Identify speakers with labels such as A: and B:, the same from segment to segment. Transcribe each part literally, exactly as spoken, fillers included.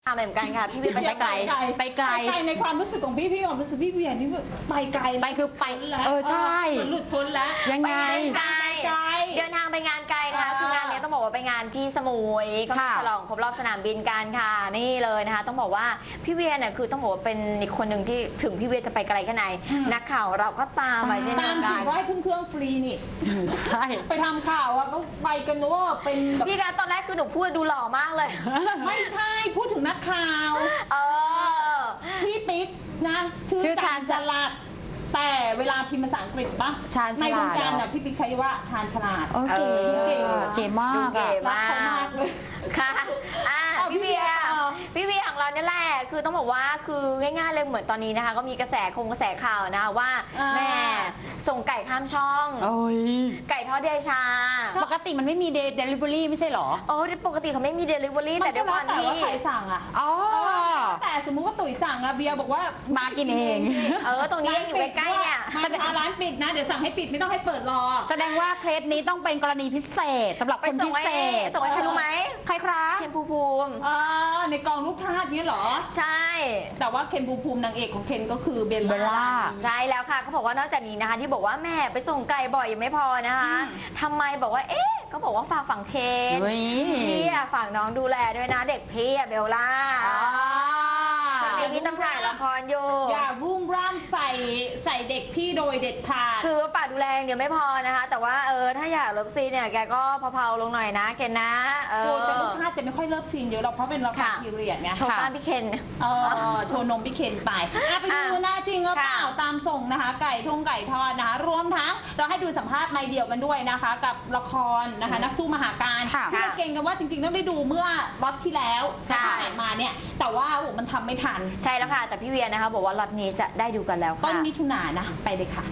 A: เหมือนกันค่ะพี่เวียไปไกลไปไกล
B: ไปในความรู้สึกของพี่พี่ความรู้สึกพี่เวียนี่ไปไกล
A: ไปคือไป
B: แล้ว
A: เออใช่
B: หลุดพ้นแล้ว
A: ยังไง
B: ไกลไกล
A: เดินทางไปงานไกลนะคะคืองานนี้ต้องบอกว่าไปงานที่สมุยก็ฉลองครบรอบสนามบินกันค่ะนี่เลยนะคะต้องบอกว่าพี่เวียเนี่ยคือต้องบอกว่าเป็นอีกคนหนึ่งที่ถึงพี่เวียจะไปไกลแค่ไหนนักข่าวเราก็ตามไปเช่นเดี
B: ตา
A: ยว
B: ม
A: กั
B: สิ
A: น
B: ว่าให้ขึ้นเครื่องฟรีนี่
A: ใช่
B: ไปทำข่าวอะก็ไปกันนะว่าเป็นแบบ
A: พี่คะตอนแรกคือหนูพูดดูหล่อมากเลย
B: ไม่ใช่พูดถึงนักข่าว
A: เออ
B: พี่ปิ๊กนะชื่อ
A: ชื่อ
B: ชา
A: ชา
B: ญ
A: ญ
B: ฉลาดแต่เวลาพิมพ์ภาษาอังกฤษปะ
A: ชาญฉลาด
B: ในวงการน่ะพี่ปิ๊กใช้ว่าชาญฉลาด
A: โอเค
B: เก๋
A: เก๋มาก
B: ดูเก๋
A: อะ
B: มากเขามากเลย
A: ค่ะอ่ะ
B: เอา
A: พี่เวีย
B: พี่เวียต่อ
A: พี่เวียของเราเนี่ยแหละคือต้องบอกว่าคือง่ายๆเลยเหมือนตอนนี้นะคะก็มีกระแสคงกระแสข่าวนะคะว่าแม่ส่งไก่ข้ามช่อง
C: โอ้ย
A: ไก่ทอดเดชา
C: ปกติมันไม่มีเดลิเวอรี่ไม่ใช่เหรอ
A: โอ้ปกติเขาไม่มีเดลิเวอรี่
B: มั
A: แต่
B: น
A: ด้วย
B: ก็
A: ค
B: แล้ว
A: วาม
B: แต่
A: ที่
B: ว่าใครสั่งอะ
C: อ๋อ
B: แต่สมมุติว่าตุ๋ยสั่งอะเบียร์บอกว่า
C: มากินเอง
A: เออตรงนี้ยังอยู่ใกล้ๆเนี่ย
B: ร้านปิดร้านปิดนะเดี๋ยวสั่งให้ปิดไม่ต้องให้เปิดรอ
C: แสดงว่าเคสนี้ต้องเป็นกรณีพิเศษสำหรับ
A: ไป
C: คน
A: ส่ง
C: พิ
A: ไว้
C: เศษ
A: ส่งให้ใครรู้ไหม
C: ใครครับ
A: เคนภูมิภูมิ
B: อ่าในกองลูกทาสเนี้ยเหรอ
A: ใช่
B: แต่ว่าเคนภูมิภูมินางเอกของเคนก็คือเบล
C: เบลล่า
B: ล่า
A: ใช่แล้วค่ะเขาบอกว่านอกจากนี้นะคะ ที่บอกว่าแม่ไปส่งไก่บ่อยยังไม่พอนะคะ
B: อืม
A: ทำไมบอกว่าเอ๊ะก็บอกว่าฝากฝั่งเคน
C: เฮ้ย
A: พี่อะฝากน้องดูแลด้วยนะเด็กพี่อะเบลล่า
C: อ๋อ
A: ตอนนี้พี่ต้องถ่ายละครอยู่
B: อย่ารุ่มร่ามใส่ใส่เด็กพี่โดยเด็ดขาด
A: คือฝากดูแลอย่างเดียวไม่พอนะคะ แต่ว่าเออถ้าอยากเลิฟซีนเนี่ยแกก็เผาๆลงหน่อยนะเคนนะเออ
B: โดยแต่ลูกค้าจะไม่ค่อยเลิฟซีนเยอะหรอกเพราะเป็นละคร
A: ค่ะ
B: พีเรียดไง
A: โชว์บ้านพี่เคน
B: เออโชว์นมพี่เคนไปอ่ะไปดู
A: อ่ะ
B: หน้าจริงหรือเปล่า
A: ค่ะ
B: ตามส่งนะคะ ไก่ทงไก่ทอดนะคะ รวมทั้งเราให้ดูสัมภาษณ์ไม่เดียวกันด้วยนะคะ กับละครนะคะ นักสู้มหาการ
C: ค่ะ
B: ที่เราเก่งกันว่าจริงๆต้องได้ดูเมื่อล็อตที่แล้ว
A: ใช่
B: ที่ผ่านมาเนี่ย แต่ว่าโอ้โหมันทำไม่ทัน
A: ใช่แล้วค่ะแต่พี่เวียนะคะบอกว่าล็อตนี้จะได้ดูกันแล้ว
B: ต้น
A: ค่ะ
B: มิถุนายนนะไปเลยค่ะ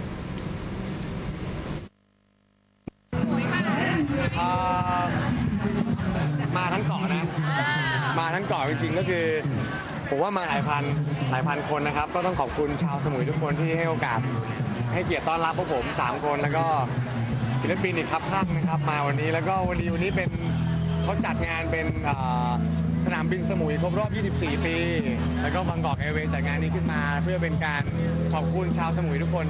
D: เอ่อมาทั้งเกาะนะ มาทั้งเกาะจริงๆก็คือผมว่ามาหลายพันหลายพันคนนะครับ ก็ต้องขอบคุณชาวสมุยทุกคนที่ให้โอกาสให้เกียรติต้อนรับพวกผมสามคนแล้วก็ศิลปินอีกครับข้างนะครับ มาวันนี้แล้วก็วันนี้วันนี้เป็นเขาจัดงานเป็นเอ่อสนามบินสมุยครบรอบ ยี่สิบสี่ ปี แล้วก็บางกอกแอร์เวย์จัดงานนี้ขึ้นมา เพื่อเป็นการขอบคุณชาวสมุยทุกคน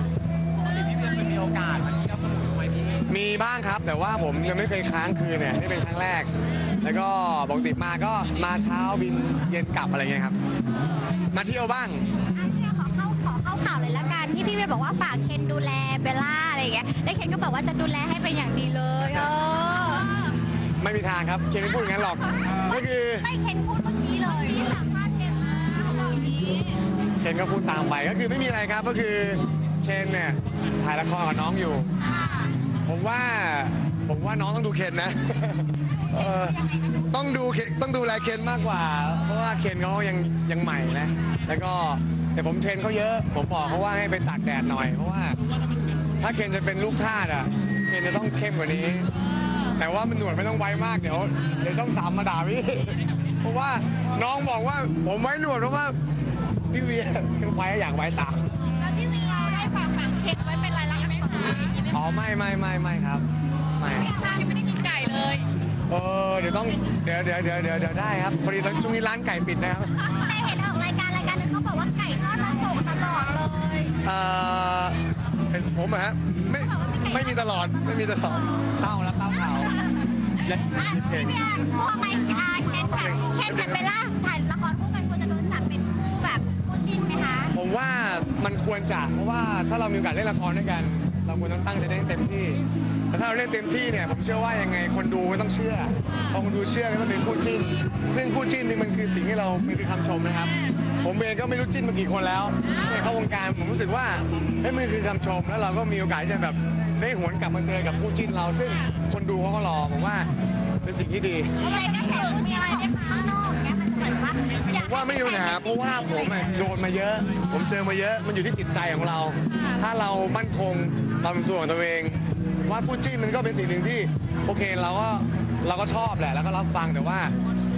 D: มีบ้างครับแต่ว่าผมยังไม่เคยค้างคืนเนี่ยนี่เป็นครั้งแรก แล้วก็ปกติมาก็มาเช้าบินเย็นกลับอะไรเงี้ยครับ มาเที่ยวบ้าง
E: ขอเข้าขอเข้าข่าวเลยละกันที่พี่เวียบอกว่าฝากเคนดูแลเบลล่าอะไรอย่างเงี้ยแล้วเคนก็บอกว่าจะดูแลให้เป็นอย่างดีเลยเออ
D: ไม่มีทางครับเคนไม่พูดอย่างนั้นหรอกก็คือ
E: ไม่เคนพูดเมื่อกี้เลยที่สัมภาษณ์เคนมาเขาบอกอย่างนี้
D: เคนก็พูดตามไปก็คือไม่มีอะไรครับก็คือเคนเนี่ยถ่ายละครกับน้องอยู่ ผมว่าผมว่าน้องต้องดูเคนนะ เออต้องดูเคนต้องดูแลเคนมากกว่า เพราะว่าเคนเขายังยังใหม่นะแล้วก็แต่ผมเทรนเขาเยอะ ผมบอกเขาว่าให้ไปตากแดดหน่อย เพราะว่าถ้าเคนจะเป็นลูกทาสอ่ะเคนจะต้องเข้มกว่านี้ แต่ว่ามันหนวดไม่ต้องไว้มากเดี๋ยวเดี๋ยวช่องสามมาด่าพี่ เพราะว่าน้องบอกว่าผมไว้หนวดเพราะว่าพี่เวียคือไว้อยากไว้ตาม
E: แล้วที่วีเราได้ฝากฝังเคนไว้เป็นลายลักษณ์อักษรอะไรอย่างงี้ไหม
D: อ๋อไม่ไม่ไม่ไม่ครับไม่
E: คะยังไม่ได้กินไก่เลย
D: เออเดี๋ยวต้องเดี๋ยวเดี๋ยวเดี๋ยวเดี๋ยวเดี๋ยวได้ครับพอดีตอนช่วงนี้ร้านไก่ปิดนะครับ
E: แต่เห็นออกรายการรายการหนึงเขาบอกว่าไก่ทอดเราส่งตลอดเลย
D: เอ่อเป็นผมอะฮะไม่ไม่มีตลอดไม่มีตลอดเต้าแล้วเต้าขาวยัด
E: อ่ะ
D: เก่
E: พี่
D: ง
E: เวียกลัวไหมอ่าเคนกับเคนกับเบลล่าถ่ายละครคู่กันควรจะโดนจับเป็นคู่แบบคู่จิ้นไหมคะ
D: ผมว่ามันควรจะเพราะว่าถ้าเรามีโอกาสเล่นละครด้วยกัน เราควรต้องตั้งใจเล่นเต็มที่แต่ถ้าเราเล่นเต็มที่เนี่ยผมเชื่อว่ายังไงคนดูก็ต้องเชื่อพอคนดูเชื่อก็ต้องเป็นคู่จิ้น ซึ่งคู่จิ้นนี่มันคือสิ่งที่เรามันคือคำชมนะครับ ผมเองก็ไม่รู้จิ้นมากี่คนแล้วในเข้าวงการผมรู้สึกว่าเฮ้ยมันคือคำชมแล้วเราก็มีโอกาสที่จะแบบได้หวนกลับมาเจอกับคู่จิ้นเรา ซึ่งคนดูเขาก็รอผมว่าเป็นสิ่งที่ดี
E: อะไรก็แต่คู่จิ้นอะไรเนี่ยข้างนอกเนี่ยมันจะเหมือนว่าอยาก
D: ว่าไม่มีปัญหาเพราะว่าผมอะโดนมาเยอะ ผมเจอมาเยอะมันอยู่ที่จิตใจของเรา ถ้าเรามั่นคงเราเป็นตัวของตัวเอง ว่าคู่จิ้นมันก็เป็นสิ่งหนึ่งที่โอเคเราก็เราก็ชอบแหละแล้วก็รับฟังแต่ว่า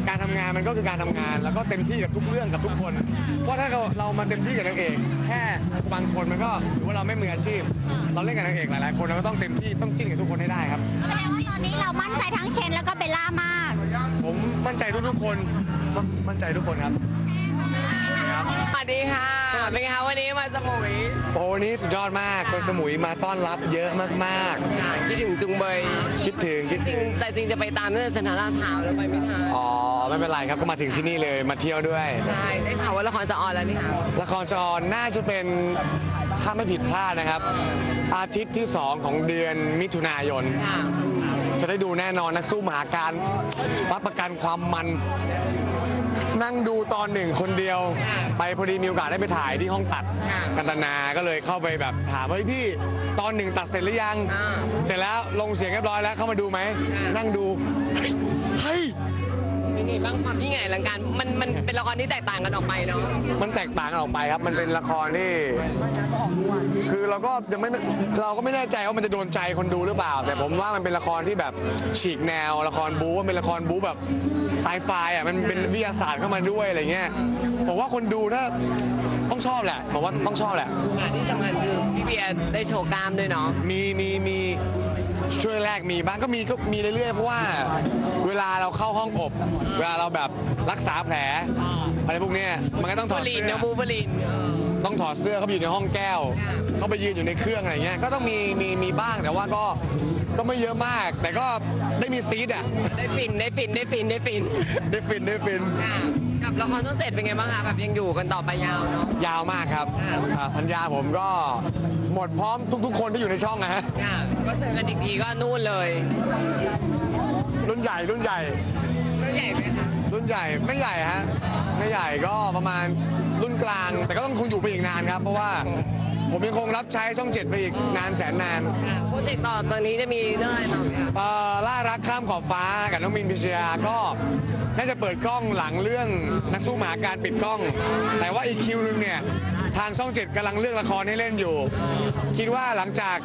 D: การทำงานมันก็คือการทำงาน แล้วก็เต็มที่กับทุกเรื่องกับทุกคน เพราะถ้าเราเรามาเต็มที่กับนางเอกแค่บางคนมันก็ถือว่าเราไม่มืออาชีพ เราเล่นกับนางเอกหลายๆคนเราก็ต้องเต็มที่ต้องจิ้นกับทุกคนให้ได้ครับ
E: แสดงว่าตอนนี้เรามั่นใจทั้งเชนแล้วก็เบลล่ามาก
D: ผมมั่นใจทุกๆคนมมั่นใจทุกคนครับ
F: สวัสดีค่ะ เป็นไงคะวันนี้มาสมุย
D: โอ้วันนี้สุดยอดมากคนสมุยมาต้อนรับเยอะมาก
F: ค่ะคิดถึงจุงเบย
D: ๆ คิดถึงคิด
F: จริ
D: ถึ
F: ง
D: ง
F: แต่จริงจะไปตามตั้งแต่สถานลาดพร้าวแล้วไปไม่ทัน
D: อ๋อไม่เป็นไรครับก็มาถึงที่นี่เลยมาเที่ยวด้วย
F: ใช่ได้ข่าวว่าละครจะออนแล้วนี่ค่ะ
D: ละครจอน่าจะเป็นถ้าไม่ผิดพลาดนะครับ อาทิตย์ที่สองของเดือนมิถุนายน
F: ค่ะ
D: จะได้ดูแน่นอนนักสู้มหาการรับประกันความมัน นั่งดูตอนหนึ่งคนเดียว ไปพอดีมีโอกาสได้ไปถ่ายที่ห้องตัดกันตนาก็เลยเข้าไปแบบถามว่าเฮ้ยพี่ตอนหนึ่งตัดเสร็จหรือยัง
F: อ่า
D: เสร็จแล้วลงเสียงเรียบร้อยแล้วเข้ามาดูไหม
F: อ่านั่
D: นั่งดูเฮ้ย
F: เป็นไงบ้างความยิ่งใหญ่อลังการมันมันเป็นละครที่แตกต่างกันออกไปเนาะ
D: มันแตกต่างกันออกไปครับ มันเป็นละครที่ คือเราก็ยังไม่เราก็ไม่แน่ใจว่ามันจะโดนใจคนดูหรือเปล่า แต่ผมว่ามันเป็นละครที่แบบฉีกแนวละครบู๊มันเป็นละครบู๊แบบไซไฟอ่ะมันเป็นวิทยาศาสตร์เข้ามาด้วยอะไรเงี้ยผมว่าคนดูถ้าต้องชอบแหละผมว่าต้องชอบแหละ
F: งานที่สำคัญคือพี่เบียร์ได้โชว์กล้ามด้วยเนาะ
D: มีมีมีช่วยแรกมีบ้างก็มีก็มีเรื่อยๆเพราะว่าเวลาเราเข้าห้องอบ เวลาเราแบบรักษาแผลอะไรพวกเนี้ยมันก็ต้องถ
F: บู
D: อด
F: ลีน
D: เสื้อ
F: นะบูบลีนเออ
D: ต้องถอดเสื้อเขาไปอยู่ในห้องแก้ว
F: ค่ะ
D: เขาไปยืนอยู่ในเครื่องอะไรเงี้ยก็ต้องมีมีมีบ้างแต่ว่าก็ก็ไม่เยอะมาก แต่ก็ได้มีซีดอ่ะ
F: ได้ฟินได้ฟินได้ฟินได้ฟิน
D: ได้ฟินได้ฟิน
F: ค่ะกับละครช่องเจ็ดเป็นไงบ้างคะแบบยังอยู่กันต่อไปยาวเนาะ
D: ยาวมากครับ
F: ค่ะ
D: อ่าสัญญาผมก็หมดพร้อมทุกๆ คนที่อยู่ในช่องนะฮะ
F: ค่ะก็เจอกันอีกทีก็นู่นเลย
D: รุ่นใหญ่รุ่นใหญ่
F: รุ่นใหญ่ไหมคะ
D: รุ่นใหญ่ไม่ใหญ่ฮะไม่ใหญ่ก็ประมาณรุ่นกลาง แต่ก็ต้องคงอยู่ไปอีกนานครับ เพราะว่าผมยังคงรับใช้ช่องเจ็ดไปอีกนานแสนนาน
F: ค่ะโปรเจกต์ต่อตอนนี้จะมีเรื่องอะไรต่อไหมคะ
D: เอ่อล่ารักข้ามขอบฟ้ากับน้องมินพิชยาก็น่าจะเปิดกล้องหลังเรื่องนักสู้หมาการปิดกล้อง แต่ว่าอีกคิวนึงเนี่ยทางช่องเจ็ดกำลังเลือกละครให้เล่นอยู่ คิดว่าหลังจาก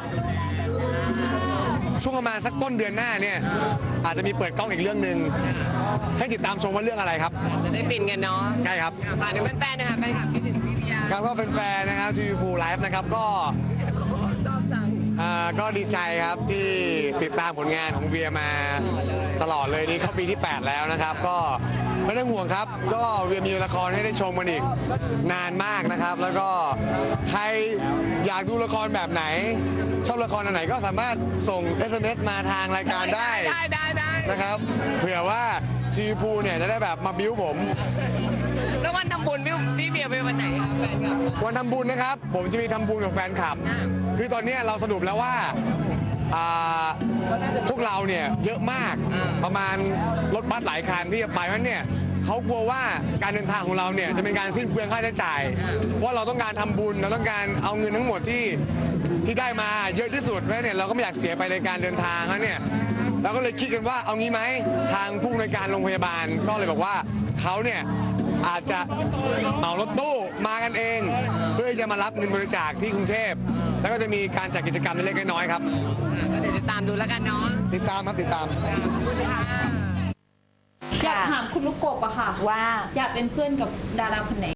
D: ช่วงประมาณสักต้นเดือนหน้าเนี่ยอาจจะมีเปิดกล้องอีกเรื่องหนึ่งให้ติดตามชมว่าเรื่องอะไรครับ
F: จะได้ฟินกันเนาะ
D: ใช่ครับ
F: ค่ะฝากถึงแฟนๆนะคะแฟนคลับคิดถึงพี่พิยา
D: การว่าเป็นแฟนๆนะครับทีวีพูไลฟ์นะครับก็
F: ชอบจัง
D: อ่าก็ดีใจครับที่ติดตามผลงานของเวียมาตลอดเลยนี่เข้าปีที่ แปด แล้วนะครับ ก็ไม่ต้องห่วงครับ ก็เวียมีละครให้ได้ชมกันอีกนานมากนะครับ แล้วก็ใครอยากดูละครแบบไหน ชอบละครอันไหนก็สามารถส่ง เอส เอ็ม เอส มาทางรายการได้
F: ได้ได้ได้
D: นะครับเผื่อว่าทีวีพูเนี่ยจะได้แบบมาบิ้วผม
F: แล้ววันทำบุญพี่พี่เบียร์ไปวันไหนคะแฟนคลับ
D: วันทำบุญนะครับ ผมจะมีทำบุญกับแฟนคลับ คือตอนเนี้ยเราสรุปแล้วว่าอ่าพวกเราเนี่ยเยอะมากประมาณรถบัสหลายคันที่จะไปเพราะฉะนั้นเนี่ยเขากลัวว่าการเดินทางของเราเนี่ยจะเป็นการสิ้นเปลืองค่าใช้จ่าย เพราะเราต้องการทำบุญเราต้องการเอาเงินทั้งหมดที่ที่ได้มาเยอะที่สุดเพราะฉะนั้นเนี่ยเราก็ไม่อยากเสียไปในการเดินทางแล้วเนี่ยเราก็เลยคิดกันว่าเอางี้ไหมทางผู้อำนวยการโรงพยาบาลก็เลยบอกว่าเขาเนี่ย อาจจะเหมารถตู้มากันเอง เพื่อที่จะมารับเงินบริจาคที่กรุงเทพ แล้วก็จะมีการจัดกิจกรรมเล็กๆน้อยๆครับ
F: ก็เดี๋ยวติดตามดูแล้วกันเนาะ
D: ติดตามครับติดตาม
F: ขอบคุณค่ะ
B: อยากถามคุณลูกกบอะค่ะ
A: ว่า
B: อยากเป็นเพื่อนกับดาราคนไหน